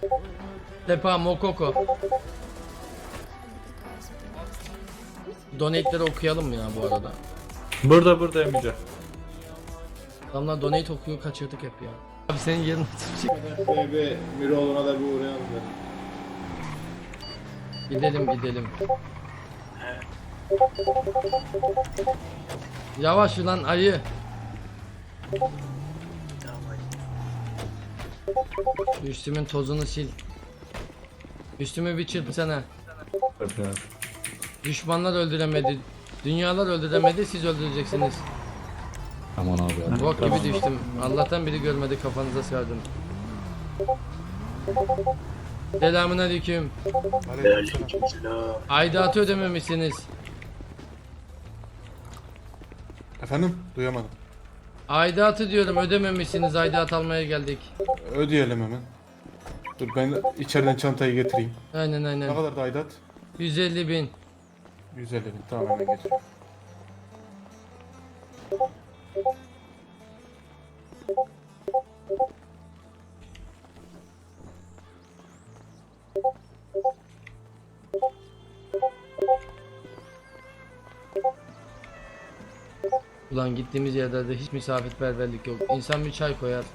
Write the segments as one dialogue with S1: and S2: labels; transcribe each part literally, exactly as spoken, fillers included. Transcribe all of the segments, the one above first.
S1: Tepa Mokoko. Donate'leri okuyalım mı ya bu arada?
S2: Burada burada Emice.
S1: Adamlar donate okuyor, kaçırdık hep ya. Abi senin yerin
S3: Şöyle bir Miroğlu'na da bir uğrayalım dedim.
S1: Gidelim gidelim. Yavaş lan ayı. Üstümün tozunu sil. Üstümü bir çırpsana. Düşmanlar öldüremedi. Dünyalar öldüremedi, siz öldüreceksiniz.
S4: Aman abi ya.
S1: Bok gibi düştüm. Allah'tan biri görmedi, kafanıza sardım. Selamun aleyküm.
S5: Aleykümselam.
S1: Aidatı ödememişsiniz.
S3: Efendim? Duyamadım.
S1: Aidatı diyorum, ödememişsiniz. Aidat almaya geldik.
S3: Ödeyelim hemen. Dur ben içeriden çantayı getireyim.
S1: Aynen
S3: Ne
S1: aynen.
S3: kadar da aidat?
S1: yüz elli bin.
S3: yüz elli bin. Tamam hemen getiriyorum.
S1: Ulan gittiğimiz yerlerde hiç misafirperverlik yok. İnsan bir çay koyar.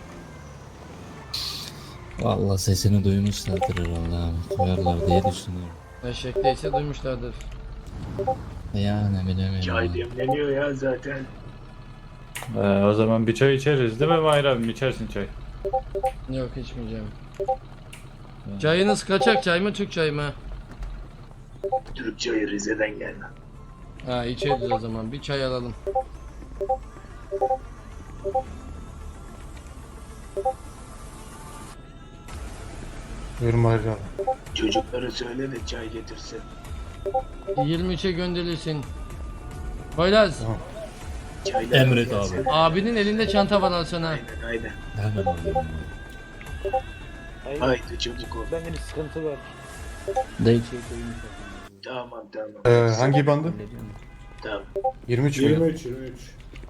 S4: Vallahi sesini duymuşlardır herhalde abi. Koyarlar diye düşünüyorum.
S1: Eşekteyse duymuşlardır.
S4: Yani bilemiyorum.
S5: Çay demleniyor ya zaten.
S2: Ee, o zaman bir çay içeriz değil mi Mahir abi? İçersin çay.
S1: Yok, içmeyeceğim. Çayınız kaçak çay mı, Türk çay mı?
S5: Türk çayı Rize'den gelme.
S1: Ha, içeriz o zaman. Bir çay alalım.
S3: Buyurun Mahir abi.
S5: Çocuklara söyle de çay getirsin.
S1: yirmi üçe gönderilsin. Poyraz,
S3: Tamam.
S5: Çaylar
S4: Emret
S5: gelsin.
S4: abi.
S1: abinin elinde çanta var, alsana.
S5: Aynen aynen.
S4: Hemen alıyorum.
S5: Haydi çocuk ol.
S6: Bende bir sıkıntı var.
S4: Değil.
S5: Tamam tamam.
S3: Ee, hangi bandı?
S5: Tamam.
S3: yirmi üç mü? yirmi üç, yirmi üç.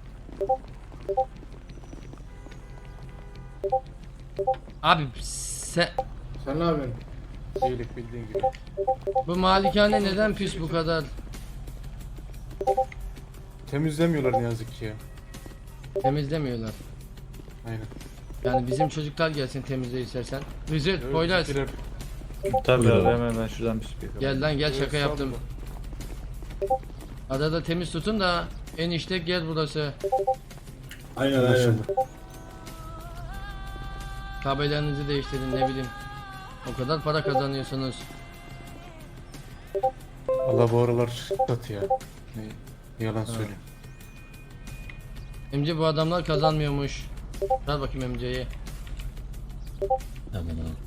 S1: Abi sen...
S3: Sen ne yapıyorsun? İyilik bildiğin gibi.
S1: Bu malikane neden pis bu kadar?
S3: Temizlemiyorlar ne yazık ki ya.
S1: Temizlemiyorlar.
S3: Aynen.
S1: Yani bizim çocuklar gelsin temizle istersen. Vizir,
S3: Evet,
S1: Poyraz.
S3: bizimkiler-
S2: Tabii
S4: Buyur
S2: abi
S4: abi.
S2: hemen ben şuradan bir speaker.
S1: Gel lan gel,
S3: Evet,
S1: şaka yaptım. Arada temiz tutun da enişte gel burası.
S3: Aynen aynen.
S1: Tabelanızı değiştirin, ne bileyim. O kadar para kazanıyorsunuz.
S3: Allah bu aralar satı ya. Ne, yalan söyleyeyim.
S1: Emce bu adamlar kazanmıyormuş. Ver bakayım Emce'yi.
S4: Hemen abi.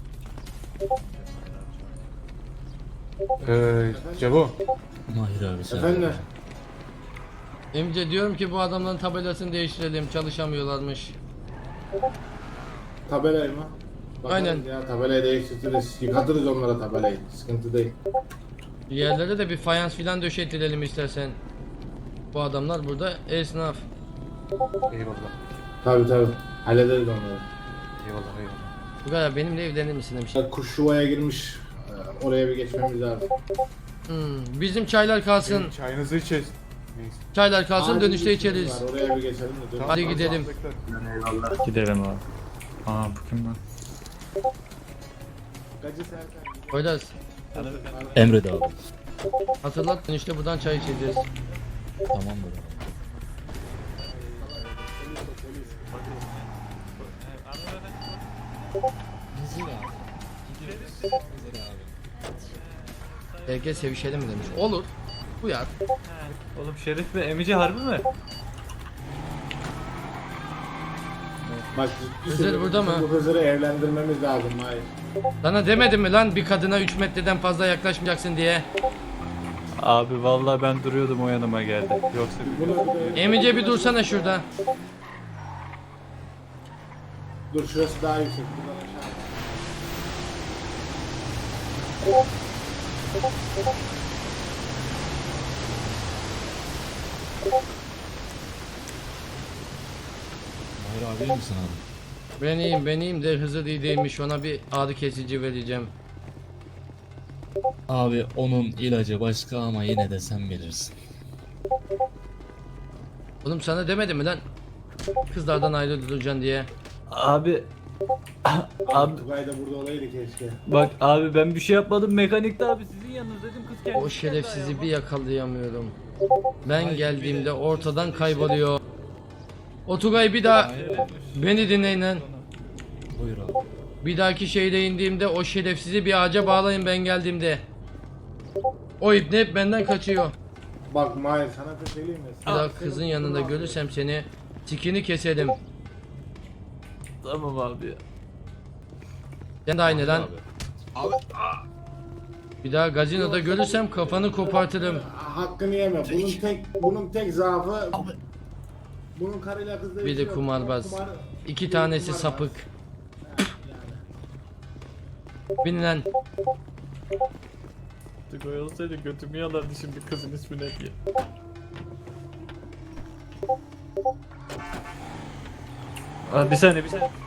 S3: Ee, Cebo.
S4: Mahir abi sen.
S3: Efendim?
S1: Emce diyorum ki bu adamların tabelasını değiştirelim, çalışamıyorlarmış.
S3: Tabelayı mı?
S1: Aynen.
S3: Ya tabelayı değiştiririz. Yıkatırız onlara tabelayı. Sıkıntı değil.
S1: Yerlere de bir fayans filan döşettirelim istersen. Bu adamlar burada esnaf.
S3: Eyvallah. Tabi tabi. Hallederiz onları. Eyvallah eyvallah.
S1: Bu kadar, benimle evlenir misin demiş.
S3: Kuş yuvaya girmiş. Ee, Oraya bir geçmemiz lazım.
S1: Hmm, bizim çaylar kalsın.
S3: Çayınızı içeceğiz. Neyse.
S1: Çaylar kalsın,
S3: Acil
S1: dönüşte
S3: işimiz
S1: içeriz.
S3: var, oraya bir geçelim de. dön-
S1: Hadi gidelim.
S5: Eyvallah.
S2: Gidelim abi. Aa bu kim lan?
S3: Gacı Serkan.
S1: Poyraz,
S4: Emret abi.
S1: hatırlat, dönüşte buradan çay içeceğiz.
S4: Tamamdır abi. Vizir abi. Gidiyoruz. Vizir abi.
S1: Belki sevişelim mi demiş. Olur. Uyar.
S2: Oğlum Şerif ve Emice harbi mi?
S3: Bak ciddi
S1: Hızır
S3: söylüyorum,
S1: burada mı?
S3: Bu Hızır'ı evlendirmemiz lazım. Hayır.
S1: Sana demedim mi lan bir kadına üç metreden fazla yaklaşmayacaksın diye.
S2: Abi vallahi ben duruyordum o yanıma geldi. Yoksa
S3: Bunu bir de-
S1: Emice bir dursana şurada.
S3: Dur şurası daha yüksek. Buradan aşağı.
S4: Mahir abi iyi misin abi?
S1: Ben iyiyim ben iyiyim de Hızır iyi değilmiş, ona bir ağrı kesici vereceğim.
S4: Abi onun ilacı başka ama yine de sen bilirsin.
S1: Oğlum sana demedim mi lan? Kızlardan ayrı duracaksın diye.
S2: Abi abi
S3: Tugay da burada olaydı keşke.
S2: bak abi ben bir şey yapmadım, mekanikte abi sizin yanınızdaydım, kız kendisi.
S1: O şerefsizi bir yakalayamıyorum. Ben geldiğimde ortadan kayboluyor. O Tugay bir daha beni dinleyin lan.
S4: Buyur abi.
S1: Bir dahaki şehre indiğimde o şerefsizi bir ağaca bağlayın ben geldiğimde. O ibne hep benden kaçıyor.
S3: Bak Mahir sana bir şey söyleyeyim mi?
S1: Bir daha kızın yanında görürsem seni tikini keserim.
S2: Tamam abi.
S1: Sen de aynı lan. Bir daha gazinoda görürsem kafanı kopartırım.
S3: Hakkını yeme. Bunun tek bunun tek zaafı bunun karıyla kızla
S1: Bir
S3: işi
S1: de
S3: yok.
S1: kumarbaz.
S3: Kumar-
S1: İki tanesi
S3: kumarbaz.
S1: sapık.
S3: Yani.
S1: Bin lan.
S2: Tugay olsaydı götümü yalardı şimdi kızın ismi ne diye. Abi bir saniye bir saniye.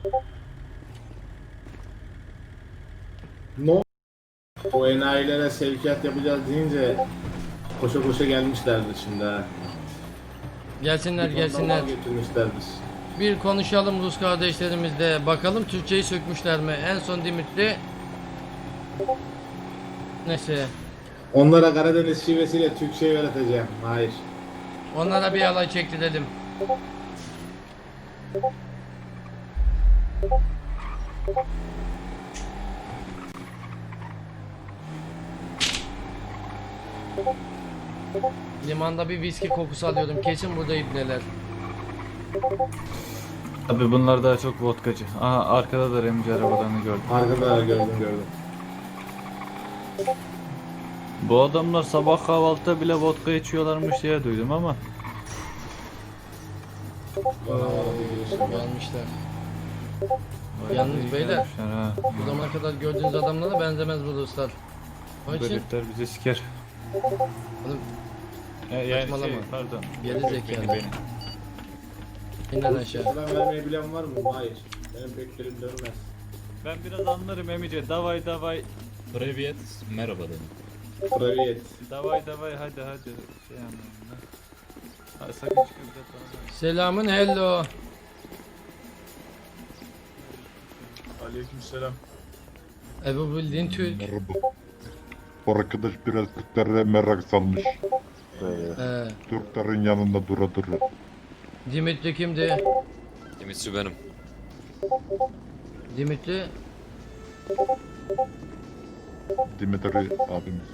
S3: No. O enayilere sevkiyat yapacağız deyince koşa koşa gelmişlerdir şimdi ha.
S1: Gelsinler
S3: Bir
S1: gelsinler.
S3: mal getirmişlerdir.
S1: Bir konuşalım Rus kardeşlerimizle. Bakalım Türkçeyi sökmüşler mi? En son Dimitri. Neyse.
S3: Onlara Karadeniz şivesiyle Türkçe öğreteceğim. Hayır.
S1: Onlara bir alay çektirelim. Limanda bir viski kokusu alıyorum. Kesin burada ibneler.
S2: Abi bunlar daha çok vodkacı. Aha arkada da Remci arabalarını gördüm.
S3: Arkada gördüm gördüm.
S2: Bu adamlar sabah kahvaltıda bile vodka içiyorlarmış diye duydum ama.
S3: Bana havalı bir giriş var.
S1: Gelmişler. Yalnız beyler,
S2: Ha.
S1: Bu zamana kadar gördüğünüz adamlara benzemez bu Ruslar. Onun
S2: Bu
S1: için
S2: herifler bizi siker.
S1: oğlum
S2: E, yani şey,
S1: Saçmalama.
S2: pardon.
S1: Geri
S2: Beni,
S1: zekalı.
S2: beni.
S1: inden aşağı.
S3: Selam vermeyi bilen var mı? Hayır. Benim pek dilim dönmez.
S2: Ben biraz anlarım emice. Davay davay.
S4: Privyet merhaba dedim.
S3: Privyet.
S2: Davay davay hadi hadi. Şey anlarım ben. Ha, sakın çıkıp da
S1: Selamın hello.
S6: Aleykümselam.
S1: Ebu bildiğin Türk.
S6: Merhaba. Bu arkadaş biraz Türklere merak salmış. Ee,
S1: Ee,
S6: Türklerin yanında dura dura.
S1: Dimitri kimdi?
S7: Dimitri benim.
S1: Dimitri
S6: Dimitri abimiz.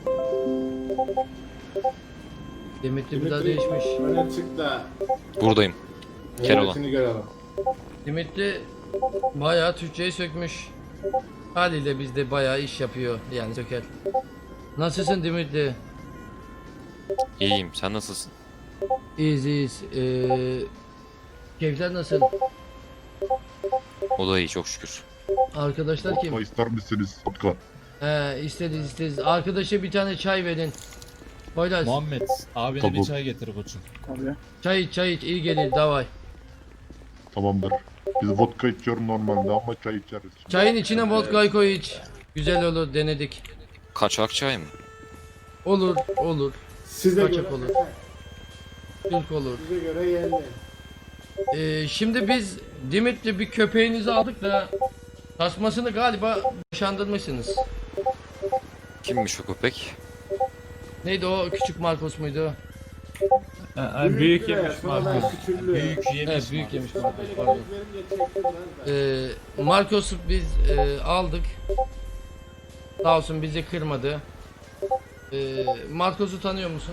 S1: Dimitri bir daha değişmiş.
S3: Öne çık da
S7: Buradayım. Keloğlan.
S3: heyetini görelim.
S1: Dimitri bayağı Türkçeyi sökmüş. Haliyle bizde bayağı iş yapıyor yani söker. Nasılsın Dimitri?
S7: İyiyim. Sen nasılsın?
S1: İyiyiz iyiyiz. Ee, keyifler nasıl?
S7: O da iyi çok şükür.
S1: Arkadaşlar kim?
S6: Vodka ister misiniz? Vodka.
S1: He isteriz isteriz. Arkadaşa bir tane çay verin. Poyraz
S4: Muhammed abine
S6: Tabii.
S4: bir çay getir koçum.
S1: çay iç çay iç iyi gelir davay.
S6: Tamamdır. Biz vodka içiyoruz normalde ama çay içeriz.
S1: Çayın içine vodka koy iç. Güzel olur denedik.
S7: Kaçak çay mı?
S1: Olur olur.
S3: Size
S1: Kaçak
S3: göre
S1: olur. Türk olur.
S3: Size göre yerli.
S1: Ee, şimdi biz Dimitri bir köpeğinizi aldık da tasmasını galiba boşandırmışsınız.
S7: Kimmiş o köpek?
S1: Neydi o küçük Marcos muydu?
S2: Ha, ha, büyük
S3: lira,
S2: yemiş
S3: sonradan
S2: Marcos.
S3: küçüldü.
S4: Büyük yemiş.
S1: Evet büyük
S4: Muhammed.
S1: yemiş Marcos pardon.
S3: Verince çektirmezler.
S1: Ee, Marcos'u biz e, aldık. Sağ olsun bizi kırmadı. Ee, Marcos'u tanıyor musun?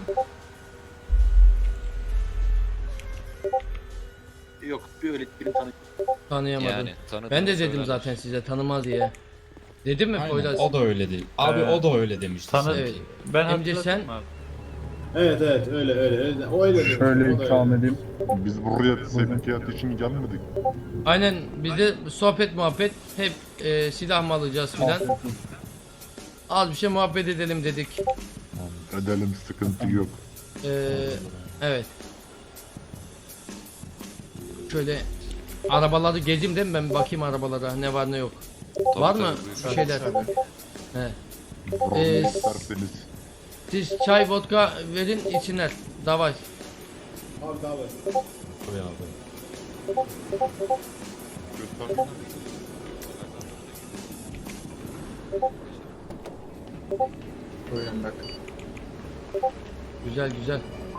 S5: Yok bir öyle birini tanıyorum.
S1: Tanıyamadım.
S7: Yani tanıdım.
S1: Ben de dedim
S7: söylerler.
S1: zaten size tanımaz diye. Dedim mi
S4: Aynen,
S1: Poyraz?
S4: o da öyle değil. Abi
S2: Ee,
S4: o da öyle demişti.
S2: Tanı
S1: Evet.
S2: ben
S1: Emce
S2: hatırladım
S1: sen-
S2: abi.
S3: Evet evet öyle öyle öyle. O öyle demiş.
S8: Şöyle
S3: o da
S8: ikram
S3: öyle.
S8: edeyim.
S6: Biz buraya sevkiyat için gelmedik.
S1: Aynen bize sohbet muhabbet hep e, silah mı alacağız filan. Az bir şey muhabbet edelim dedik.
S6: Edelim, sıkıntı yok.
S1: Ee, evet. Şöyle arabaları gezeyim değil mi, ben bakayım arabalara ne var ne yok.
S7: Tabii,
S1: Var
S7: tabii,
S1: mı
S7: buyur.
S1: bir şeyler? He.
S6: Problem
S1: Ee,
S6: isterseniz.
S1: Siz çay vodka verin içsinler. Davay.
S3: Abi abi.
S4: Koy abi.
S6: Göster.
S8: Buyurun bakın.
S1: Güzel güzel.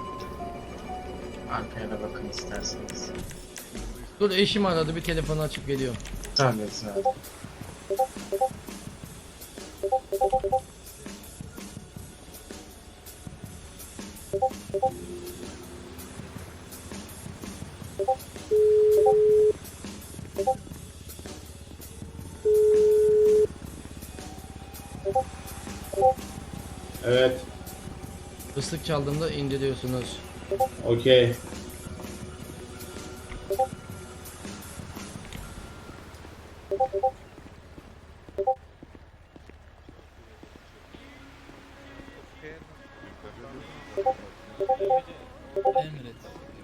S8: Arkaya da bakın isterseniz.
S1: Dur, eşim aradı, bir telefonu açıp geliyor.
S8: Tabii zaten.
S3: Evet.
S1: Islık çaldığında indiriyorsunuz.
S3: Okey.
S4: Emret.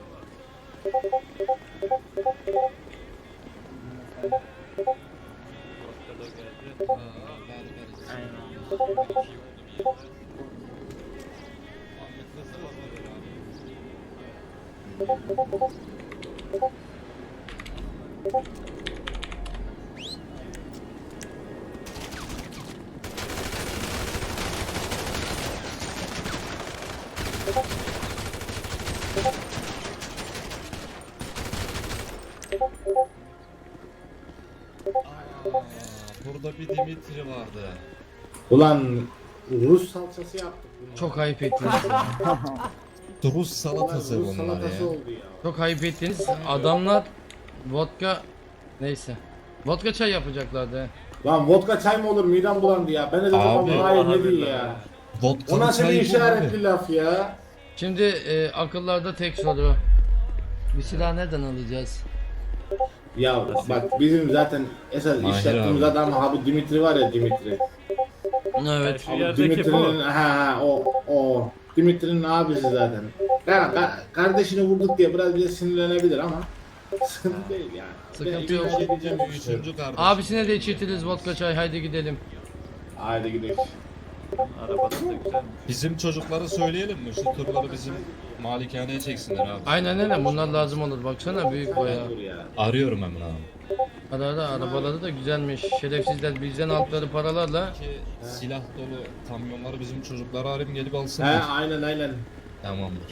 S4: Burada bir Dimitri vardı.
S3: Ulan Rus salçası yaptık bunu.
S1: Çok ayıp ettiniz.
S4: Rus
S3: Ulan
S4: salatası
S3: Rus
S4: bunlar
S3: salatası
S4: ya.
S3: oldu ya.
S1: Çok ayıp ettiniz. Adamlar vodka, neyse. Vodka çay yapacaklardı. he.
S3: Lan vodka çay mı olur, midem bulandı ya. Ben de dedim
S4: Abi,
S3: ama hayır ne diyor ya. O
S4: Vodka
S3: nasıl bir
S4: çay bu
S3: işaretli
S4: abi.
S3: laf ya.
S1: Şimdi e, akıllarda tek soru. Bir silah nereden alacağız?
S3: Ya bak bizim zaten esas
S4: Mahir
S3: iş yaptığımız
S4: abi.
S3: adam ha bu Dimitri var ya, Dimitri.
S1: Evet.
S2: Şu
S3: Abi
S2: yerdeki bu.
S3: Dimitri'nin ha ha o o Dimitri'nin abisi zaten. Yani ka- kardeşini vurduk diye biraz bize sinirlenebilir ama sıkıntı değil yani.
S1: Sıkıntı
S3: Ben
S1: yok.
S3: idare edeceğim bu işi.
S4: Üçüncü kardeş.
S1: Abisine de içirtiriz vodka çay, haydi gidelim.
S3: Haydi gidelim.
S2: Arabada da güzelmiş.
S4: Bizim çocuklara söyleyelim mi? Şu turları bizim malikaneye çeksinler abi.
S1: Aynen öyle, bunlar lazım olur, baksana büyük bayağı.
S3: Dur ya.
S4: Arıyorum hemen abi.
S1: Ara ara, arabaları da güzelmiş. Şerefsizler bizden aldıkları paralarla.
S4: Ki silah dolu kamyonları bizim çocuklara arayayım gelip
S3: He
S4: alsınlar.
S3: aynen aynen.
S4: Tamamdır.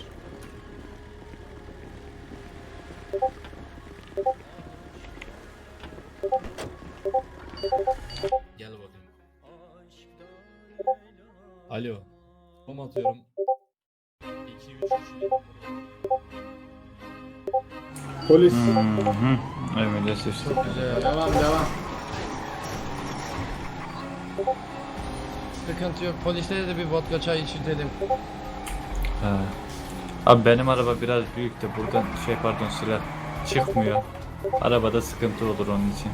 S4: Gel bakayım. Alo. Kom atıyorum. iki üç üç.
S3: Polis.
S2: Hı hı. Evet, işte.
S1: Çok güzel.
S3: Devam devam.
S1: Sıkıntı yok. Polislere de bir vodka çay içirtelim.
S2: Ha. Abi benim araba biraz büyük de buradan şey pardon silah çıkmıyor. Arabada sıkıntı olur onun için.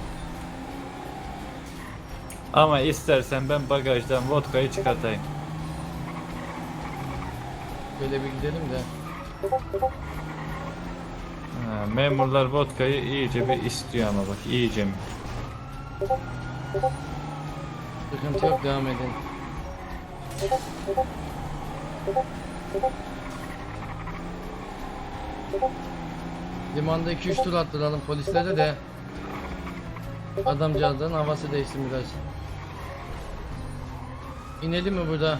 S2: Ama istersen ben bagajdan vodkayı çıkartayım.
S1: Böyle bir gidelim de.
S2: Ha, memurlar vodkayı iyice bir istiyor ama bak iyice mi?
S1: Sıkıntı yok, devam edin. Limanda iki üç tur attıralım polislere de. Adamcağızların havası değişsin biraz. İnelim mi burada?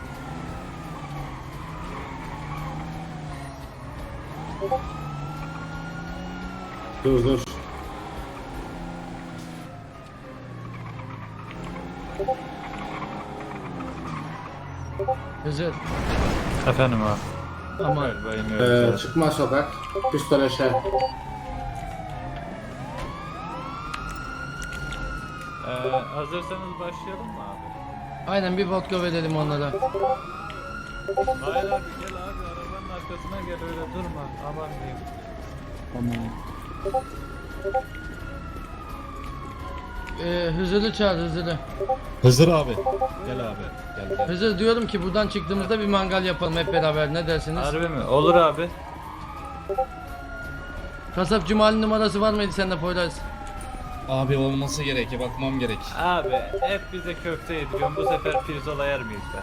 S3: Dur dur.
S1: Hızır.
S2: Efendim abi.
S1: Aman.
S2: Galiba iniyoruz.
S3: Ee, çıkma sokak. Pistol aşağı.
S2: Ee, hazırsanız başlayalım mı abi?
S1: Aynen, bir vodka verelim onlara.
S2: Hayır abi gel abi arabanın arkasına gel öyle durma. Aman diyeyim.
S1: Ee, Hızır'ı çağır, Hızır'ı.
S4: Hızır abi. Gel abi. Gel gel.
S1: Hızır, diyorum ki buradan çıktığımızda bir mangal yapalım hep beraber, ne dersiniz?
S2: Harbi mi? Olur abi.
S1: Kasapçı Mali numarası var mıydı sende Poyraz?
S4: Abi olması gerek, bakmam gerek.
S2: Abi hep bize köfte yediriyorsun. Bu sefer pirzola yer miyiz be?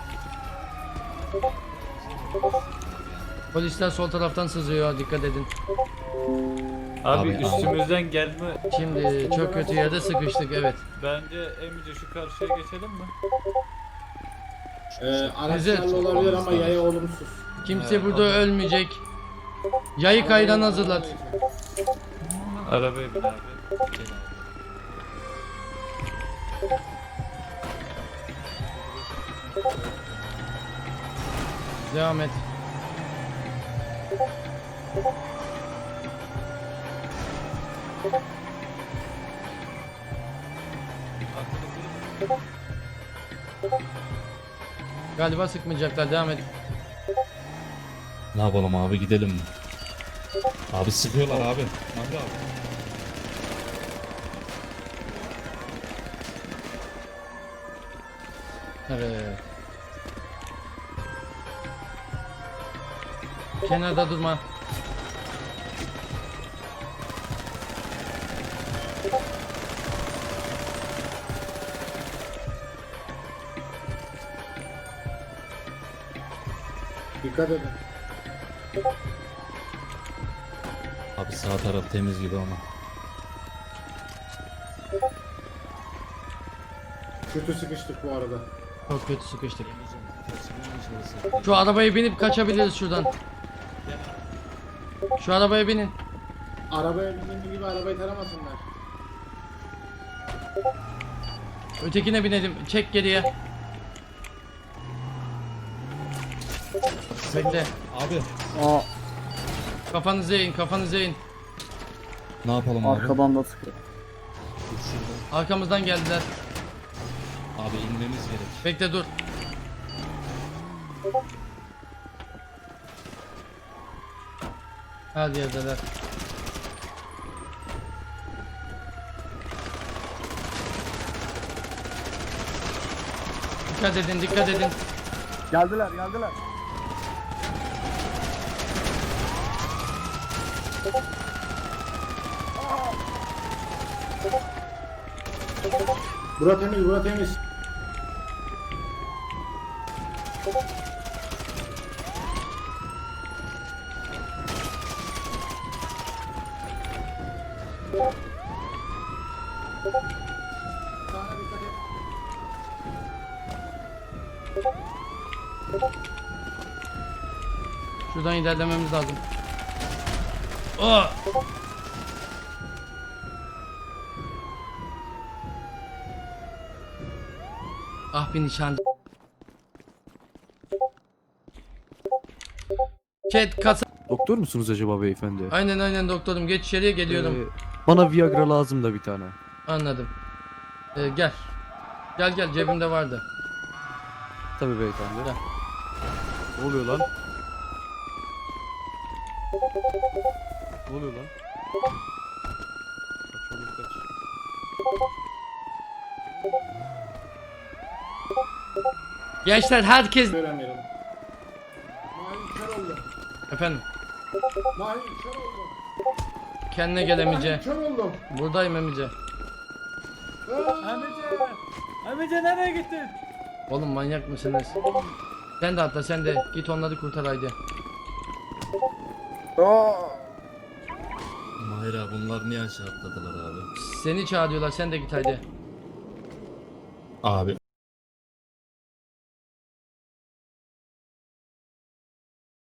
S1: Polisler sol taraftan sızıyor, dikkat edin.
S2: Abi,
S4: Abi,
S2: üstümüzden gelme.
S1: Şimdi çok kötü yerde sıkıştık, evet.
S2: Bence Emice şu karşıya geçelim mi?
S3: Ee, araçlarla
S1: Güzel.
S3: olabilir ama yaya olumsuz.
S1: Kimse
S2: Evet,
S1: burada
S2: o da-
S1: ölmeyecek. Yayık ayran hazırlar.
S2: Arabaya bin abi.
S1: Devam et. Galiba sıkmayacaklar, devam et.
S4: Ne yapalım abi, gidelim mi? Abi sıkıyorlar abi. Mahri abi.
S1: Evet. Kenarda durma.
S3: Dikkat edin.
S4: Abi sağ taraf temiz gibi ama.
S3: Kötü sıkıştık bu arada.
S1: Çok kötü sıkıştık. Şu arabaya binip kaçabiliriz şuradan. Şu arabaya binin.
S3: Arabaya bindiğim gibi arabayı taramasınlar.
S1: Ötekine binelim. Çek geriye. Bekle.
S4: Abi.
S1: Kafanızı eğin, kafanızı eğin.
S4: Ne yapalım abi?
S9: Arkadan da sıkıyor.
S1: Arkamızdan geldiler.
S4: Abi inmemiz gerek.
S1: Bekle dur. Her yerdeler. Dikkat edin, dikkat edin.
S9: Geldiler geldiler.
S3: Bura temiz, bura temiz. Sağına dikkat et.
S1: Şuradan ilerlememiz lazım. Oh! Ah bir nişancı. Chat kasa.
S10: Doktor musunuz acaba beyefendi?
S1: Aynen aynen doktorum, geç içeriye geliyorum.
S10: Ee, bana Viagra lazım da bir tane.
S1: Anladım. Ee, gel. Gel gel, cebimde vardı.
S10: Tabii beyefendi.
S1: Gel.
S10: Ne oluyor lan? Ne oluyor lan? Kaç oğlum kaç.
S1: Gençler herkes...
S3: Göremiyorum. Mahir kör oldu.
S1: Efendim,
S3: Mahir kör oldu.
S1: kendine gel Emice.
S3: Mahir kör oldum.
S1: Buradayım Emice.
S2: Emice! Emice nereye gittin?
S1: Oğlum manyak mısınız? Sen de atla, sen de. Git onları kurtar haydi.
S4: Mahir abi bunlar niye aşağı atladılar abi?
S1: Seni çağırıyorlar, sen de git haydi.
S4: Abi